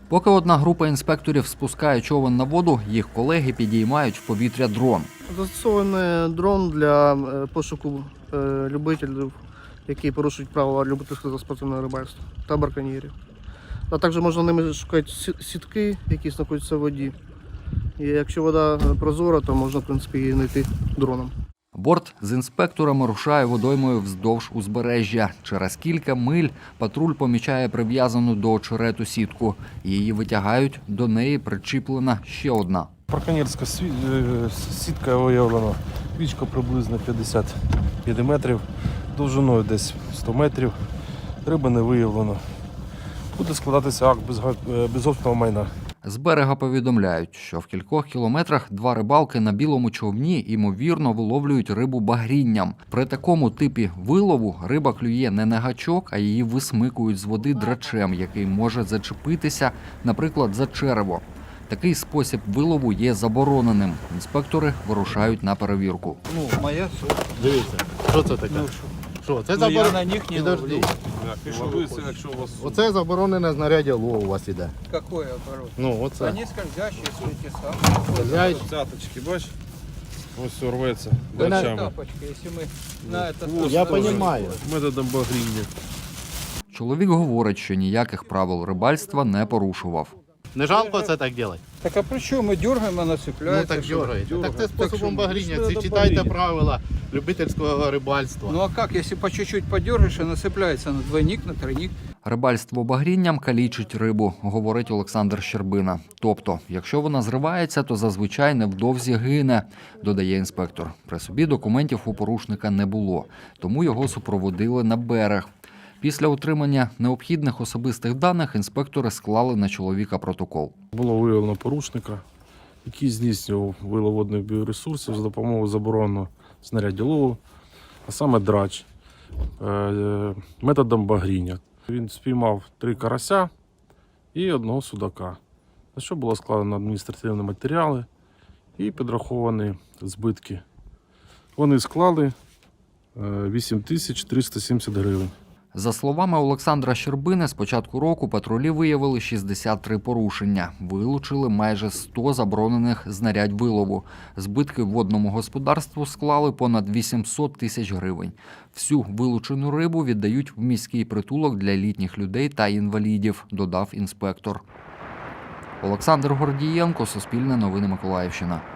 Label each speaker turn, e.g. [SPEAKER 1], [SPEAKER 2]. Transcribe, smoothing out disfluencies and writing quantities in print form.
[SPEAKER 1] Поки одна група інспекторів спускає човен на воду, їх колеги підіймають в повітря дрон.
[SPEAKER 2] Застосований дрон для пошуку любителів, які порушують правила любительського спортивного рибальства та браконьєрів. А також можна ними шукати сітки, які знаходяться в воді. І якщо вода прозора, то можна, в принципі, її знайти дроном.
[SPEAKER 1] Борт з інспекторами рушає водоймою вздовж узбережжя. Через кілька миль патруль помічає прив'язану до очерету сітку. Її витягають, до неї причіплена ще одна.
[SPEAKER 3] Браконьєрська сітка виявлена, вічко приблизно 50 мм, довжиною десь 100 метрів, риби не виявлено. Буде складатися акт безгоспного майна.
[SPEAKER 1] З берега повідомляють, що в кількох кілометрах два рибалки на білому човні ймовірно виловлюють рибу багрінням. При такому типі вилову риба клює не на гачок, а її висмикують з води драчем, який може зачепитися, наприклад, за черево. Такий спосіб вилову є забороненим. Інспектори вирушають на перевірку.
[SPEAKER 4] Моя суть.
[SPEAKER 5] Дивіться, що це таке? Що, це
[SPEAKER 4] Ну, я на них не ловлю.
[SPEAKER 5] Оце заборонене знаряддя лову у вас іде.
[SPEAKER 4] Какой оборот?
[SPEAKER 5] Ну, оце.
[SPEAKER 4] Они скользящие, эти самые.
[SPEAKER 5] Скользящі.
[SPEAKER 3] Цяточки, бач? Ось все рветься
[SPEAKER 5] Ви на-
[SPEAKER 3] драчами.
[SPEAKER 4] Тапочки, если мы на этот...
[SPEAKER 5] Я розумію.
[SPEAKER 3] Методом багріння.
[SPEAKER 1] Чоловік говорить, що ніяких правил рибальства не порушував.
[SPEAKER 5] Не жалко це так робити?
[SPEAKER 4] Так а при чем мы дергаем, она
[SPEAKER 5] Ну
[SPEAKER 4] цепляется?
[SPEAKER 5] так
[SPEAKER 4] что?
[SPEAKER 5] дергаєте. Так це способом
[SPEAKER 4] що,
[SPEAKER 5] багріння.
[SPEAKER 4] що
[SPEAKER 5] Ці
[SPEAKER 4] це
[SPEAKER 5] читайте
[SPEAKER 4] багріння?
[SPEAKER 5] правила любительського рибальства.
[SPEAKER 4] Ну а как, если по чуть-чуть подергаешь, она цепляется на двойник, на тройник?
[SPEAKER 1] Рибальство багрінням калічить рибу, говорить Олександр Щербина. Тобто, якщо вона зривається, то зазвичай невдовзі гине, додає інспектор. При собі документів у порушника не було, тому його супроводили на берег. Після отримання необхідних особистих даних інспектори склали на чоловіка протокол.
[SPEAKER 3] Було виявлено порушника, який здійснював вилов водних біоресурсів за допомогою забороненого знаряддя лову, а саме драч, методом багріння. Він спіймав 3 карася і 1 судака, за що було складено адміністративні матеріали і підраховані збитки. Вони склали 8370 гривень.
[SPEAKER 1] За словами Олександра Щербини, з початку року патрулі виявили 63 порушення. Вилучили майже 100 заборонених знарядь вилову. Збитки водному господарству склали понад 800 тисяч гривень. Всю вилучену рибу віддають в міський притулок для літніх людей та інвалідів, додав інспектор. Олександр Гордієнко, Суспільне новини Миколаївщина.